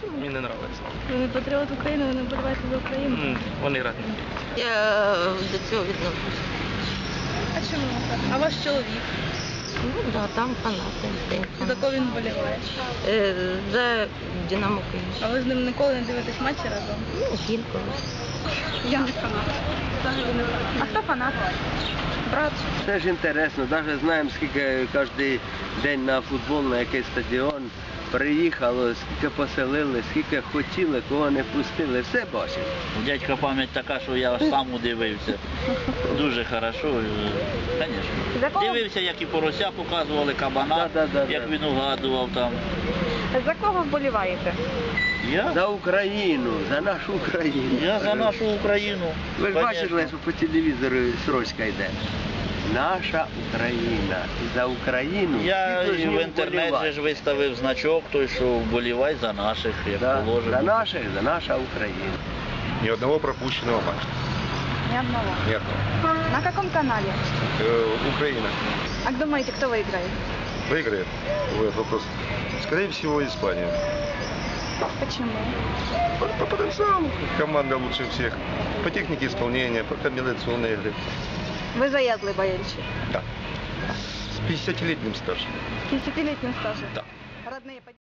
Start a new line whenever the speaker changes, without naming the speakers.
Чому?
Мені не подобається.
Ви не патріот України, ви не вболіваєте за Україну?
Вони раді.
Я до цього відношусь.
А чому так? А ваш чоловік?
Ну, да, там фанати.
За кого він вболіває?
За Динамо Київ.
А ви з ним ніколи не дивитесь матчі разом?
Ну, інколи.
Я не фанат. Взагалі не фанат. А хто фанат? Брат?
Це ж інтересно, навіть знаємо, скільки кожен день на футбол, на якийсь стадіон приїхало, скільки поселили, скільки хотіли, кого не пустили, все бачимо.
Дядька пам'ять така, що я аж сам удивився. Дуже хорошо, звісно. Дивився, як і порося показували, кабана, як він угадував там.
За кого вболіваєте?
Я?
За Україну, за нашу Україну.
Я за нашу Україну.
Ви ж
Конечно.
бачили, що по телевізору строчка йде. Наша Україна. І за Україну
Я
всі повинні
в інтернеті
вболівати.
ж виставив значок, той, що вболівай за наших, як
Да,
положено.
за наших, за наша Україна.
Ни одного пропущенного матча.
Ни одного.
Ни одного.
На каком канале?
Украина
А думаете, кто выиграет?
выиграет. Вот вопрос. Скорее всего, Испания.
Почему?
По потенциалу. Команда лучше всех. По технике исполнения, по комбинационной игре.
Вы заядлый болельщик.
Да. С 50-летним стажем.
50-летним стажем.
Да.
Родные